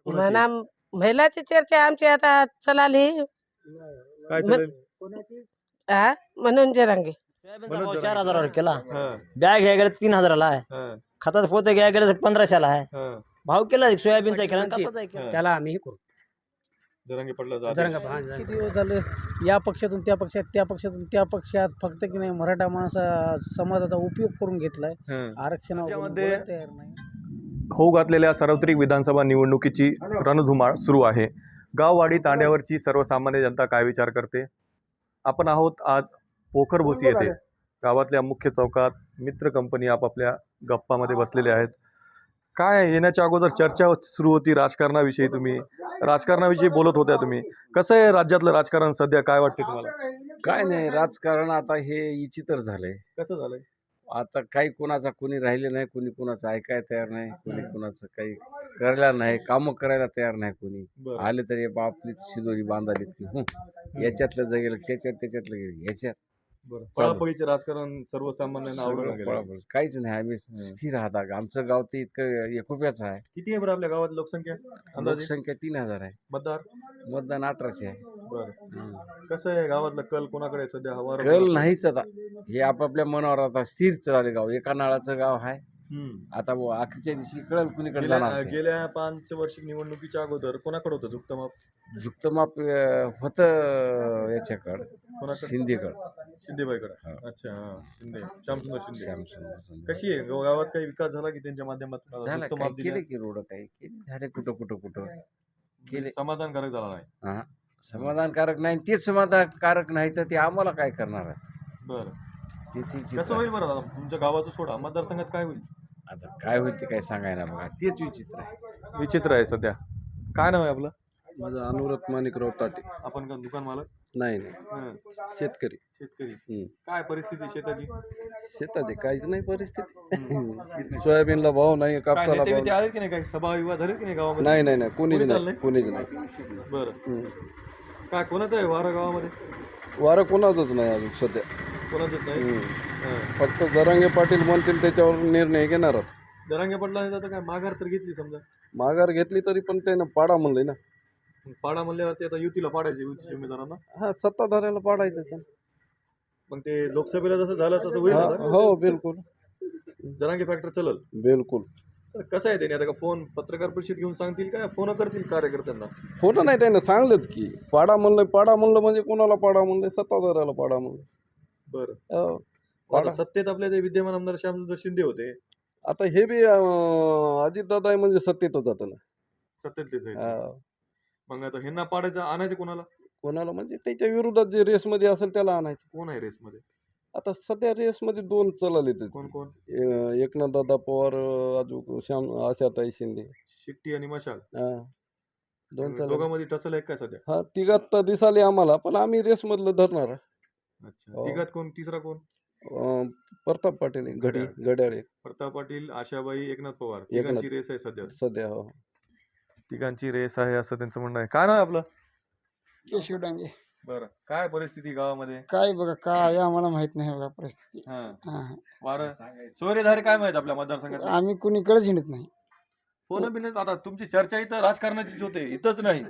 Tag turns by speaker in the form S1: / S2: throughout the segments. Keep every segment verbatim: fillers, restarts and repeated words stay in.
S1: कोणाची?
S2: म्हणा महिलाची चर्चा आमची आता चलाली
S1: काय
S2: म-
S1: चालेल?
S2: हा म्हणून जरांगे
S3: सोयाबीनचा
S1: मनोज
S3: भाव
S1: जरांगे.
S3: चार हजारावर केला.
S1: हा,
S3: बॅग घ्यायला गेलं तीन हजाराला आहे.
S1: हा,
S3: खताचं पोते घ्यायला गेलं तर पंधराशेला आहे.
S1: हा,
S3: भाव केला सोयाबीनचा केला आणि कापसाचा
S1: हा.
S3: केला.
S4: त्याला आम्ही हे करू
S1: जरांगे पाटलाचा आदेश.
S4: जरंगा हा, जरंगा.
S5: किती दिवस झाले या पक्षातून त्या पक्षात त्या पक्षातून त्या पक्षात फक्त की नाही मराठा माणसा समाजाचा उपयोग करून घेतलाय.
S1: हा.
S5: आरक्षणावर
S1: त्याच्यामध्ये-
S5: बोलायला तयार नाही.
S1: होऊ घातलेल्या सार्वत्रिक विधानसभा निवडणुकीची रणधुमाळ सुरू आहे. गाववाडी तांड्यावरची सर्वसामान्य जनता काय विचार करते? आपण आहोत आज पोखरभोसी येथे. गावातल्या मुख्य चौकात मित्र कंपनी आपापल्या गप्पामध्ये बसलेले आहेत. काय येण्याच्या अगोदर चर्चा सुरू होती राजकारणाविषयी. तुम्ही राजकारणाविषयी बोलत होत्या. तुम्ही कसं आहे राज्यातलं राजकारण सध्या, काय वाटते तुम्हाला?
S6: काय नाही, राजकारण आता हे विचित्र झालंय.
S1: कसं झालंय?
S6: आता काही कोणाचा कोणी राहिले नाही, कोणी कोणाचं ऐकायला तयार नाही, कोणी कोणाचं काही करायला नाही, कामं करायला तयार नाही कोणी.
S1: बरं.
S6: आले तरी आपलीच शिदोरी बांधालीत की हं, याच्यातलं जगेल त्याच्यात त्याच्यातलं गेलं ह्याच्यात
S1: बरं.
S6: चालू.
S1: पळापळीचं राजकारण सर्वसामान्यांना आवडून
S6: सगळं
S1: गेलं.
S6: पळापळ. काहीच नाही, आम्ही स्थिर राहत आहे. आमचं गाव ते इतकं एकोप्याचं आहे.
S1: किती आहे बरं आपल्या गावात लोकसंख्या अंदाजे?
S6: लोकसंख्या तीन हजार आहे,
S1: मतदार?
S6: मतदान अठराशे आहे.
S1: बरं.
S6: हं.
S1: कसं आहे गावातलं कल कोणाकडे आहे सध्या? हवा
S6: कल नाहीच आता, हे आपापल्या मनावर आता स्थिर चालले गाव. एका नाळाचं गाव आहे.
S1: हम्म.
S6: आता बुवा अखेरच्या दिवशी कळल कुणीकडे
S1: गेल्या
S6: जाणार ते.
S1: गेल्या पाच वर्षिक निवडणुकीच्या अगोदर कोणाकडे होतं झुकतं
S6: झुकतं होतं याच्याकडं,
S1: कोणाकडे?
S6: शिंदेकडं.
S1: शिंदेबाईकडे.
S6: हा.
S1: अच्छा, हा. शिंदे, श्यामसुंदर शिंदे.
S6: श्यामसुंदर शिंदे.
S1: कशी आहे गाव- गावात काही विकास झाला की त्यांच्या माध्यमातून
S6: झालं
S1: झुकतं
S6: काय
S1: माप दिलं?
S6: केले की रोड काही केले झाले कुठं कुठं कुठं केले.
S1: समाधानकारक झाला नाही.
S6: हा समाधानकारक नाही, तेच समाधानकारक नाही तर ते आम्हाला काय करणार आहे
S1: बरं.
S6: त्याची
S1: कसं
S6: चित्र.
S1: होईल बरं दादा? तुमच्या गावाचं सोडा, मतदारसंघात काय होईल?
S6: आता काय होईल ते काय सांगायला बघा, तेच विचित्र आहे.
S1: विचित्र आहे सध्या. काय नाव आहे आपलं?
S7: माझं अनुरत माणिकराव ताटे.
S1: आपण का दुकान मालक?
S7: नाही नाही,
S1: हं.
S7: शेतकरी.
S1: शेतकरी.
S7: हम्म.
S1: काय परिस्थिती शेताची?
S7: शेताची काहीच नाही परिस्थिती. सोयाबीनला भाव नाही,
S1: काय
S7: कापसाला
S1: नेते
S7: भाव
S1: बिते आले की नाही? काही सभा विवाह झाले की नाही गावामध्ये?
S7: नाही नाही नाही, कोणीच
S1: कोणी
S7: नाही,
S1: चाललंय?
S7: कोणीच नाही.
S1: बरं.
S7: हम्म.
S1: काय कोणाचं आहे वारं गावामध्ये?
S7: वारं कोणाचंच नाही अजून सध्या.
S1: कोणाचंच नाही.
S7: हम्म.
S1: हं.
S7: फक्त जरांगे पाटील म्हणतील त्याच्यावर निर्णय घेणार आहोत.
S1: जरांगे पडला तर काय माघार तर घेतली समजा.
S7: माघार घेतली तरी पण त्यानं पाडा म्हणलंय ना.
S1: पाडा म्हणल्यावरती आता युतीला पाडायचे युतीच्या उमेदवारांना.
S7: हा, सत्ताधाऱ्याला पाडायचं त्यानं.
S1: मग ते लोकसभेला जसं झालं तसं होईल
S7: हा,
S1: आता?
S7: हो बिलकुल
S1: जरांगे फॅक्टर चलल.
S7: बिलकुल.
S1: तर कसं आहे त्याने आता का फोन पत्रकार परिषद घेऊन सांगतील काय फोन करतील कार्यकर्त्यांना?
S7: खोटं नाही, त्यानं सांगलंच की पाडा म्हणलं. पाडा म्हणलं म्हणजे कोणाला पाडा म्हणलंय? सत्ताधाऱ्याला पाडा म्हणलं.
S1: बरं.
S7: हो.
S1: आता
S7: पाडा.
S1: सत्तेत आपले ते विद्यमान आमदार श्यामसुंदर शिंदे होते.
S7: आता हे बी अजित दादा आहे म्हणजे सत्तेतच जातं ना.
S1: सत्तेत तेच आहेत.
S7: हा.
S1: मग आता ह्यांना पाडायचं आणायचं कोणाला?
S7: कोणाला म्हणजे त्याच्या विरोधात जे रेसमध्ये असेल त्याला आणायचं.
S1: कोण आहे रेसमध्ये?
S7: आता सध्या रेसमध्ये दोन चलाले
S1: कोण कोण?
S7: एकनाथ दादा पवार, अजून श्याम आशाताई शिंदे.
S1: शिट्टी आणि मशाल
S7: हा, दोन चला.
S1: दोघांमध्ये टसल आहे काय सध्या?
S7: हा, तिघात तर दिसाले आम्हाला, पण आम्ही रेसमधलं धरणार आहे.
S1: अच्छा.
S7: हो.
S1: तिघात कोण? तिसरा कोण?
S7: अं, प्रताप पाटील आहे, घडी घड्याळे
S1: प्रताप पाटील, आशाबाई, एकनाथ पवार.
S7: एकनाथ.
S1: तिघांची रेस आहे सध्या.
S7: सध्या. हो.
S1: तिघांची रेस आहे असं त्यांचं म्हणणं आहे. काय नाव आहे आपलं?
S8: केशव डांगे.
S1: बरं. काय परिस्थिती गावामध्ये?
S8: काय बघा काय आम्हाला माहित नाही बघा परिस्थिती.
S1: हा.
S8: हा.
S1: वारं सोयरेधारे काय माहित आपल्या मतदारसंघात?
S8: आम्ही कुणीकडेच हिंडत नाही.
S1: फोन बिन आता तुमची चर्चा इथं राजकारणाचीच होते, इथंच नाही.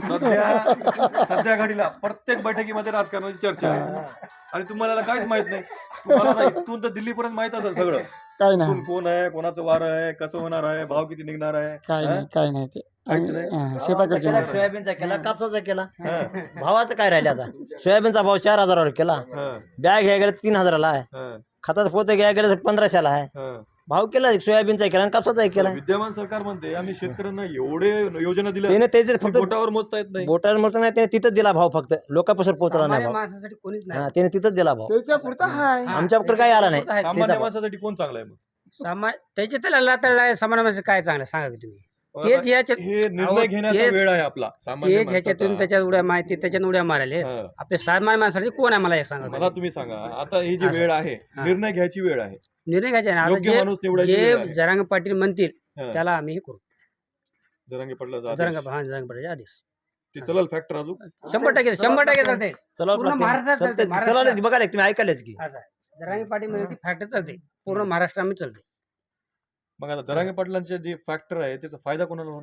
S1: सध्या सध्या घडीला प्रत्येक बैठकीमध्ये राजकारणाची चर्चा आहे आणि तुम्हाला काहीच माहित नाही. तुम्हाला आता इथून तर दिल्लीपर्यंत माहित असेल सगळं.
S8: काय
S1: इथून
S8: नाही
S1: कोण आहे, कोणाचं वारं आहे, कसं होणार आहे, भाव किती निघणार आहे.
S8: काय
S1: हा?
S8: नाही काय नाही ते
S1: काहीच
S8: आम्ही-
S1: नाही?
S8: हा, शेताकडचे
S3: केला,
S8: माणसं.
S3: सोयाबीनचा केला, कापसाचा केला.
S1: हा.
S3: भावाचं काय राहिले आता? सोयाबीनचा भाव चार हजारावर केला.
S1: हा.
S3: बॅग घ्यायला गेलं तीन हजाराला आहे.
S1: हा.
S3: खताचं पोते घ्यायला गेलं तर पंधराशेला आहे.
S1: हा.
S3: भाव केला सोयाबीनचा केला आणि कापसाचा केला.
S1: विद्यमान सरकार म्हणते आम्ही शेतकऱ्यांना एवढे योजना दिल्या
S3: त्याने त्याचे
S1: की
S3: फक्त
S1: बोटावर मोजता येत नाही.
S3: बोटावर म्हणतो नाही, त्याने तिथंच दिला भाव, फक्त लोकांपासून पोहोचला नाही
S4: सामान्य
S3: भाव.
S4: माणसासाठी कोणीच
S3: हा,
S4: नाही.
S3: त्याने तिथंच दिला भाव.
S8: त्याच्या पुरता हाय.
S4: हा,
S3: आमच्याकडे काही आला नाही.
S4: त्याच्या-
S1: सामान्य
S3: त्याचा-
S1: माणसासाठी कोण चांगला आहे मग?
S4: सामा त्याचे त्याला लाताळला सामान्य माणसं काय चांगलं सांगा की तुम्ही. तेच
S1: आता
S4: ह्याच्यात
S1: हे निर्णय
S4: अहो,
S1: घेण्याचा
S4: तेच-
S1: वेळ आहे आपला सामान्य
S4: तेच ह्याच्यातून
S1: माणसाचा.
S4: त्याच्यात उड्या माहिती त्याच्यात उड्या मारायले.
S1: हा.
S4: आपले सामान्य माणसासाठी कोण आहे मला एक सांगा
S1: मला
S4: तुम्ही.
S1: तुम्ही सांगा आता ही जी
S4: असं.
S1: वेळ आहे
S4: हा.
S1: निर्णय घ्यायची वेळ आहे.
S4: निर्णय घ्यायचा ना. आता
S1: योग्य माणूस
S4: जे
S1: निवडायची वेळ
S4: जे
S1: आहे.
S4: जरांग पाटील म्हणतील
S1: हा.
S4: त्याला आम्ही हे करू.
S1: जरांगे पडला
S4: जरांग हा जरांग पाटील आदेश
S1: ते चलल फॅक्टर अजून
S4: शंभर टक्के शंभर टक्के चालते.
S3: चला
S4: पूर्ण महाराष्ट्रात चालते,
S3: चला
S4: महाराष्ट्रात.
S3: बघा रे, तुम्ही ऐकायलाच की
S4: असं आहे. जरांगे पाटील म्हणजे ती फॅक्टर चालते पूर्ण महाराष्ट्रामध्ये चालते.
S1: मग आता जरांगे पाटलांचे जे फॅक्टर आहे त्याचा फायदा कोणाला होणार आहे?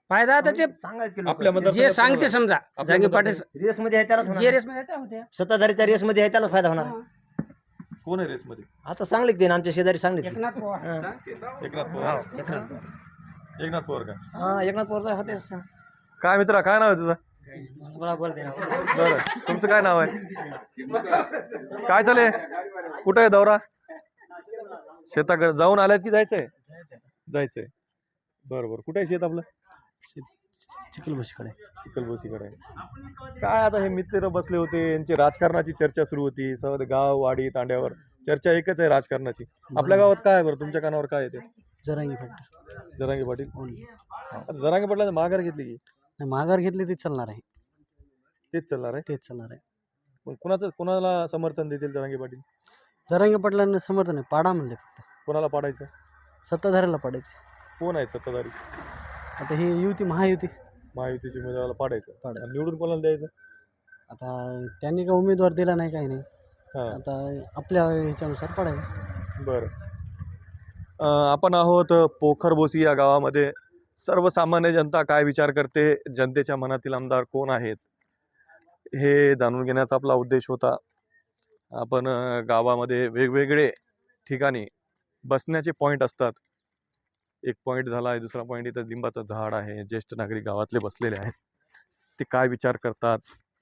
S4: फायदा आता ते
S3: सांगायचं
S1: आपल्या
S3: लोकं.
S1: मतदार-
S4: जे सांगते समजा
S1: आपल्या
S4: जागे
S1: मतदार-
S4: पाटील
S3: रेस मध्ये आहे त्यालाच होणार.
S4: जे रेस मध्ये त्या होत्या
S3: सत्ताधारीच्या रेस मध्ये आहे त्यालाच फायदा होणार आहे.
S1: कोण आहे रेसमध्ये?
S3: आता सांगलीत ते ना, आमच्या शेजारी सांगलीत ते.
S4: एकनाथ पवार
S3: हा.
S1: एकनाथ पवार. एकनाथ पवार का?
S3: हा एकनाथ पवार होते.
S1: काय मित्रा, काय नाव आहे तुझं? बरं, तुमचं काय नाव आहे? काय चालेल? कुठं आहे दौरा? शेताकडे जाऊन आल्यात की जायचंय? जायचंय. बरं बरं, कुठे आहे शेत आपलं?
S3: चिखलबशीकडे.
S1: चिखलबोसीकडे. काय आता हे मित्र बसले होते, यांची राजकारणाची चर्चा सुरू होती. सर्व गाव वाडी तांड्यावर चर्चा एकच आहे राजकारणाची. आपल्या गावात काय आहे बरं? तुमच्या कानावर काय येते?
S5: जरांगी फॅक्टर
S1: जरांगे पाटील. आता जरांगे पाटलांनी माघार घेतली की
S5: माघार घेतली तेच चालणार आहे.
S1: तेच चालणार आहे.
S5: तेच चालणार आहे.
S1: पण कुणाचं कुणाला समर्थन देतील जरांगे पाटील?
S5: जरांगी पाटलांना समर्थन आहे. पाडा म्हणले फक्त
S1: कोणाला पाडायचं?
S5: सत्ताधाऱ्याला पाडायचे.
S1: कोण आहे सत्ताधारी?
S5: आता ही युती महायुती
S1: महायुतीच्या उमेदवाराला पाडायचं.
S5: पाडायचं.
S1: आणि निवडून कोणाला द्यायचं?
S5: आता त्यांनी काय उमेदवार दिला नाही काही नाही.
S1: हां,
S5: आता आपल्या ह्याच्यानुसार पडायचं.
S1: बरं. अं, आपण आहोत पोखरबोसी या गावामध्ये. सर्वसामान्य जनता काय विचार करते, जनतेच्या मनातील आमदार कोण आहेत, हे जाणून घेण्याचा आपला उद्देश होता. आपण अं, गावामध्ये वेगवेगळे ठिकाणी बसण्याचे पॉईंट असतात. एक पॉईंट झाला आहे, दुसरा पॉईंट इथं लिंबाचं झाड आहे. ज्येष्ठ नागरिक गावातले बसलेले आहेत. ते काय विचार करतात,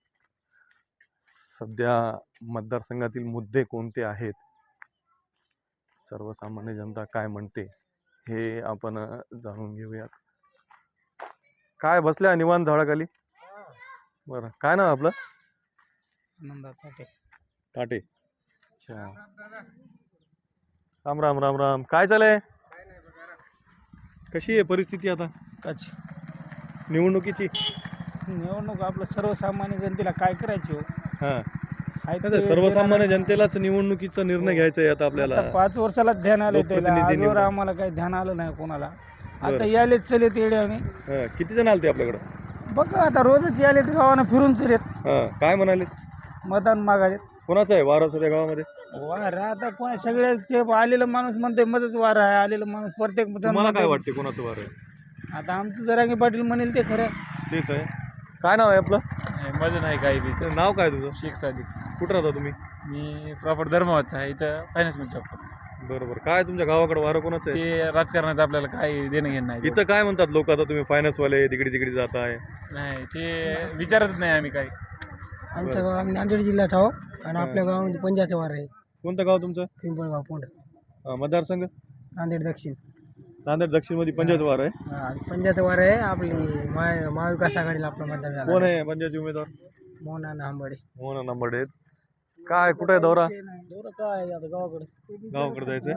S1: सध्या मतदारसंघातील मुद्दे कोणते आहेत, सर्वसामान्य जनता काय म्हणते, हे आपण अ, जाणून घेऊयात. काय बसल्या निवांत झाडाखाली? बरं, काय नाव आपलं? ताटे. अच्छा, राम राम राम राम. काय चालय? कशी आहे परिस्थिती आता निवडणुकीची?
S5: निवडणूक आपलं सर्वसामान्य जनतेला काय करायची हो?
S1: हां,
S5: हाय
S1: आता
S5: ते
S1: सर्वसामान्य जनतेलाच निवडणुकीचा निर्णय घ्यायचा आहे आता आपल्याला.
S5: आता पाच वर्षाला ध्यान आलं त्याला.
S1: लोकप्रतिनिधी
S5: आजवर
S1: निवडून.
S5: आम्हाला काही ध्यान आलं नाही कोणाला.
S1: बरं.
S5: आता यालेत चलेत येड्याने.
S1: हां, किती जण आलते आपल्याकडं?
S5: बघा आता रोजच यालेत गावानं फिरून चलेत
S1: हां, काय म्हणाले?
S5: मतदान मागालेत.
S1: कोणाचं आहे वार सध्या गावामध्ये?
S5: वार आता कोण सगळे ते आलेलं माणूस म्हणते मध्येच वार आहे. आलेलं माणूस प्रत्येक मतदान
S1: तुम्हाला काय
S5: म्हणते.
S1: वाटते कोणाचं वार आहे?
S5: आता आमचं जरांगे पाटील म्हणेल ते खरं.
S1: तेच आहे. काय नाव आहे आपलं?
S9: माझं नाही काही बी.
S1: ते नाव काय तुझं?
S9: शेख सादिक.
S1: कुठं राहता तुम्ही?
S9: मी प्रॉपर धर्मावाचा आहे. इथं फायनान्समध्ये जॉब करतो.
S1: बरोबर. काय तुमच्या गावाकडे वारं कोणाचं आहे?
S9: ते राजकारणात आपल्याला काही देणं घेणं नाही.
S1: इथं काय म्हणतात लोक, आता तुम्ही फायनान्स वाले तिकडे तिकडे जाताय?
S9: नाही ते विचारतच नाही आम्ही काही.
S5: आमच्या गाव आम्ही नांदेड जिल्ह्यात आहो आणि आपल्या गावामध्ये पंजाचं वार आहे.
S1: कोणतं गाव तुमचं?
S5: पिंपळगाव पोंड,
S1: अं, मतदारसंघ?
S5: नांदेड दक्षिण.
S1: नांदेड दक्षिण मध्ये पंजाचं वार आहे.
S5: पंजाचं वार आहे. आपली महा महाविकास आघाडीला आपलं मतदान झालं.
S1: कोण आहे पंजाचे उमेदवार?
S5: मोहन आंबडे.
S1: मोहन नंबर आहेत. काय कुठे आहे दौरा?
S5: दौरा काय आता गावाकडे.
S1: गावाकडे जायचंय.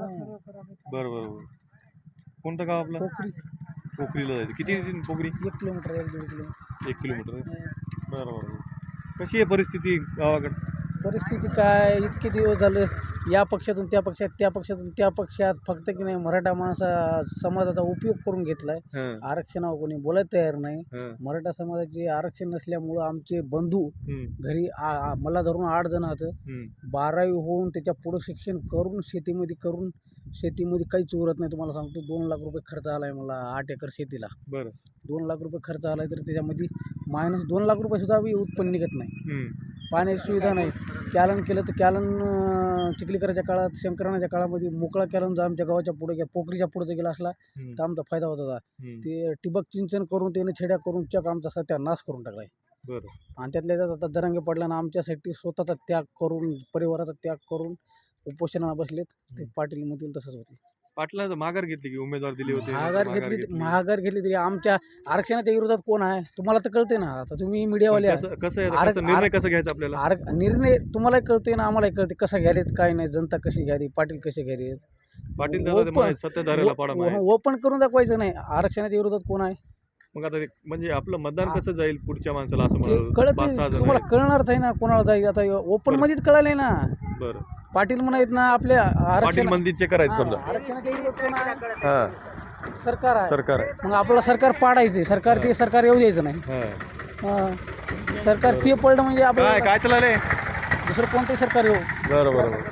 S1: बरं बरं बरं. कोणतं गाव आपलं?
S5: पोखरी.
S1: पोखरीला जायचं. किती आहे पोखरी?
S5: एक किलोमीटर एक दीड किलोमीटर.
S1: एक किलोमीटर आहे. बरं बरं बरं. कशी आहे परिस्थिती गावाकडे?
S5: परिस्थिती काय, इतके दिवस झालं या पक्षातून त्या पक्षात, त्या पक्षातून त्या पक्षात, फक्त की नाही मराठा माणसा समाजाचा उपयोग करून घेतलाय.
S1: हं,
S5: आरक्षणावर कोणी बोलायला तयार नाही.
S1: हं,
S5: मराठा समाजाचे आरक्षण नसल्यामुळं आमचे बंधू
S1: हं,
S5: घरी आ- आ- मला धरून आठ जण आहेत.
S1: हं.
S5: बारावी होऊन त्याच्या पुढं शिक्षण करून शेतीमध्ये करून शेतीमध्ये काहीच उरत नाही. तुम्हाला सांगतो दोन लाख रुपये खर्च आला आहे मला आठ एकर शेतीला.
S1: बरं.
S5: दोन लाख रुपये खर्च आला आहे तर त्याच्यामध्ये मायनस दोन लाख रुपये सुद्धा बी उत्पन्न निघत नाही.
S1: हं,
S5: पाण्याची सुविधा नाही. कॅलन केलं तर कॅलन अं, चिखलीकराच्या काळात शंकरानाच्या काळामध्ये मोकळा कॅलन जर आमच्या गावाच्या पुढे गेला, पोखरीच्या पुढे गेला असला
S1: हं,
S5: तर आमचा फायदा होत होता.
S1: हं.
S5: ते ठिबक सिंचन करून त्याने छेड्या करून चक आमचा सत्यानाश करून टाकला आहे.
S1: बरं.
S5: आणि त्यातल्या त्यात आता जरांगे पडल्यानं आमच्यासाठी स्वतःचा त्याग करून परिवाराचा त्याग करून उपोषणाला बसलेत. ते पाटील म्हणतील तसंच होते.
S1: पाटलांचं माघार घेतली की उमेदवार दिले होते?
S5: महागार घेतली महागार घेतली तरी आमच्या आरक्षणाच्या विरोधात कोण आहे तुम्हाला तर कळते ना. आता तुम्ही मीडियावाले
S1: कसं कसं आहे?
S5: आर-
S1: कसं निर्णय कसं घ्यायचा आपल्याला?
S5: आर निर्णय तुम्हालाही कळते ना आम्हालाही कळते कसं घ्यायलेत काय नाही. जनता कशी घ्यावी, पाटील कसे घ्यावे.
S1: पाटील दादा ते म्हणाले, सत्ताधाऱ्याला पाडा मागे.
S5: ओपन करून दाखवायचं नाही. आरक्षणाच्या विरोधात कोण आहे
S1: मग आता ते- म्हणजे आपलं मतदान कसं जाईल पुढच्या माणसाला असं
S5: ते
S1: म्हणाल?
S5: कळत
S1: पाच सहा जण
S5: तुम्हाला
S1: आहेत.
S5: कळणारच आहे ना कोणाला जाईल. आता ओपन
S1: बरं.
S5: मध्येच कळालंय ना.
S1: बरं.
S5: पाटील म्हणायत ना आपल्या
S1: पाटील
S5: आरक्षण
S1: मंदिरचे करायचं समजा.
S5: आरक्षणाच्या विरोधात कोण आहे?
S1: हा,
S5: सरकार आहे.
S1: सरकार आहे.
S5: मग आपलं सरकार पाडायचं. सरकार ते सरकार येऊ द्यायचं नाही.
S1: हा.
S5: हा. सरकार ते पडलं म्हणजे
S1: काय
S5: आपलं
S1: काय चाललंय?
S5: दुसरं कोणतंही सरकार येऊ.
S1: बरं बरं बरं.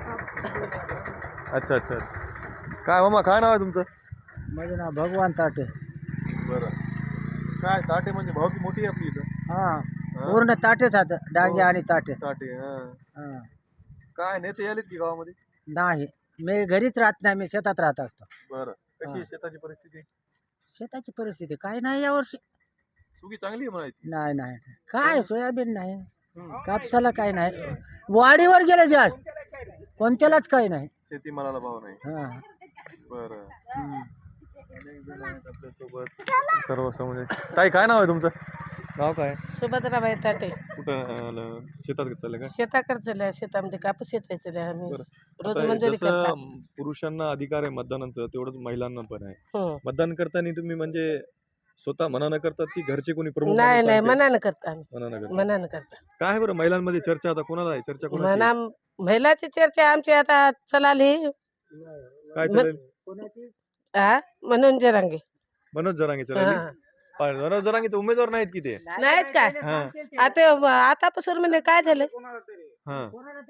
S1: अच्छा अच्छा. काय मामा काय नाव आहे तुमचं?
S5: माझं नाव भगवान ताटे.
S1: बरं. काय ताटे म्हणजे भावकी मोठी आहे आपली इथं.
S3: हा
S1: हा?
S3: पूर्ण ताटेच आहेत डांगे आणि ताटे
S1: ताटे हा.
S3: हा.
S1: काय नेते आलेत की गावामध्ये?
S3: नाही मी घरीच राहत नाही, मी शेतात राहत असतो.
S1: बरं कशी आहे
S3: हा.
S1: शेताची परिस्थिती?
S3: शेताची परिस्थिती काय नाही यावर्षी.
S1: सुगी चांगली आहे म्हणायची.
S3: नाही नाही काय सोयाबीन नाही, कापसाला काय नाही, वाढीवर गेले जास्त, कोणत्यालाच काही नाही.
S1: शेतीमालाला भाव नाही.
S3: हा.
S1: बरं.
S3: हम्म.
S1: अनेक जण आहेत आपल्यासोबत सर्व समज. ताई काय नाव आहे तुमचं? नाव काय?
S2: सुभद्राबाई ताटे.
S1: कुठं आलं? शेतात चालले का?
S2: शेताकडे चालल्या, शेतामध्ये कापूस येतायचं आम्ही
S1: बरं.
S2: रोज
S1: आता
S2: मंजुरी
S1: जसं
S2: करतात.
S1: पुरुषांना अधिकार आहे मतदानाचं तेवढंच महिलांना पण आहे.
S2: हं.
S1: मतदान करताना तुम्ही म्हणजे स्वतः मनानं करतात की घरचे कोणी प्रमुख
S2: नाही
S1: माणूस
S2: नाही
S1: सांगते?
S2: मनानं करता आम्ही
S1: मनानं करतात.
S2: मनानं करता.
S1: काय आहे बरं महिलांमध्ये चर्चा आता कोणाला आहे? चर्चा कोणाची
S2: म्हणा
S1: आहे?
S2: महिलाची चर्चा आमची आता चलाली
S1: काय
S2: म-
S1: चालेल?
S2: हा मनोज जरांगे.
S1: मनोज जरांगे चालेल.
S2: हा.
S1: पण मनोज जरांगे उमेदवार नाहीत की ते?
S2: नाहीत काय
S1: हा.
S2: आता आतापासून म्हणजे काय झालं
S1: हा.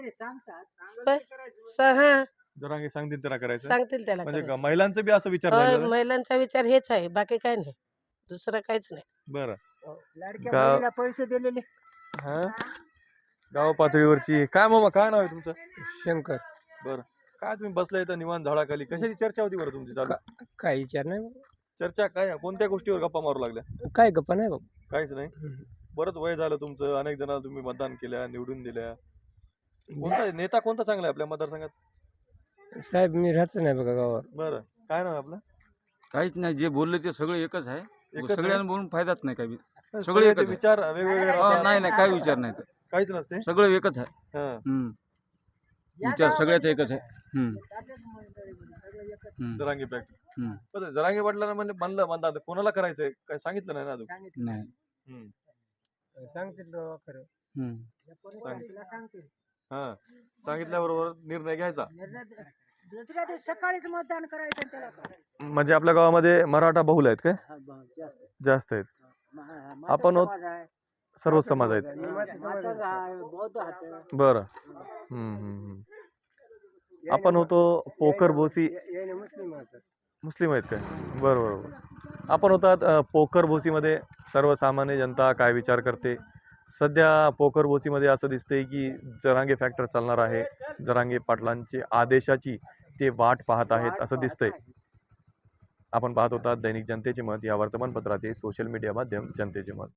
S2: स- हा
S1: जरांगे सांगतील त्याला करायचं.
S2: सांगतील त्याला
S1: म्हणजे
S2: करायचं.
S1: महिलांचं बी असं विचार
S2: होय,
S1: झालेला आहे?
S2: महिलांचा विचार हेच आहे, बाकी काय नाही, दुसरं काहीच नाही.
S1: बरं.
S3: लाडक्या
S1: गाव-
S3: बहिणीला पैसे दिलेले.
S1: हा गाव पातळीवरची काय मामा काय नाव आहे तुमचं?
S4: शंकर.
S1: बरं. काय तुम्ही बसलाय इथं निवांत झाडाखाली, कशाची चर्चा होती बरं तुमची चालू?
S4: काय विचार नाही
S1: चर्चा काय कोणत्या गोष्टीवर गप्पा मारू लागल्या?
S4: काय गप्पा नाही बाबा.
S1: काहीच नाही. बरंच वय झालं तुमचं, अनेक जणांना तुम्ही मतदान केल्या, निवडून दिल्या. कोणता नेता कोणता चांगला आहे आपल्या मतदारसंघात?
S4: साहेब मी राहतच नाही बघा गावावर.
S1: बरं. काय नाव आहे आपलं?
S10: काहीच नाही, जे बोलले ते सगळे एकच आहे.
S1: एकच आहे?
S10: सगळ्यांना बोलून फायदाच नाही काही.
S1: सगळे
S10: सगळे एकच आहे.
S1: विचार वेगवेगळे
S10: हा,
S1: असतात.
S10: नाही नाही काही विचार नाही तर.
S1: काहीच नसते.
S10: सगळं एकच आहे.
S1: हा.
S10: हम्म. विचार सगळ्याच एकच आहे. हम्म. हम्म.
S1: जरांगे फॅक्ट.
S10: हम्म.
S1: बरं, जरांगे पाटलांना म्हणजे म्हणलं म्हणतात कोणाला करायचंय काय सांगितलं नाही ना अजून?
S10: नाही.
S1: हम्म.
S3: सांगतील खरं.
S10: हम्म.
S3: सांगतील.
S1: हा सांगितल्याबरोबर निर्णय घ्यायचा.
S3: दुसऱ्या दिवशी सकाळीच मतदान करायचं त्याला.
S1: म्हणजे आपल्या गावामध्ये मराठा बहुल आहेत काय? जास्त आहेत. आपण होत सर्व समाज आहेत. बरं. हम्म, हम्म, हम्म. आपण होतो पोखर भोसी. मुस्लिम आहेत काय? बरं बरं बरं. आपण होतात अ, पोखर भोसीमध्ये सर्वसामान्य जनता काय विचार करते. सध्या पोखर भोसीमध्ये असं दिसतंय की जरांगे फॅक्टर चालणार आहे. जरांगे पाटलांची आदेशाची ते वाट पाहत आहेत असं दिसतंय. आपण पाहत होता दैनिक जनतेचे मत या वर्तमानपत्राचे सोशल मीडिया माध्यम जनतेचे मत.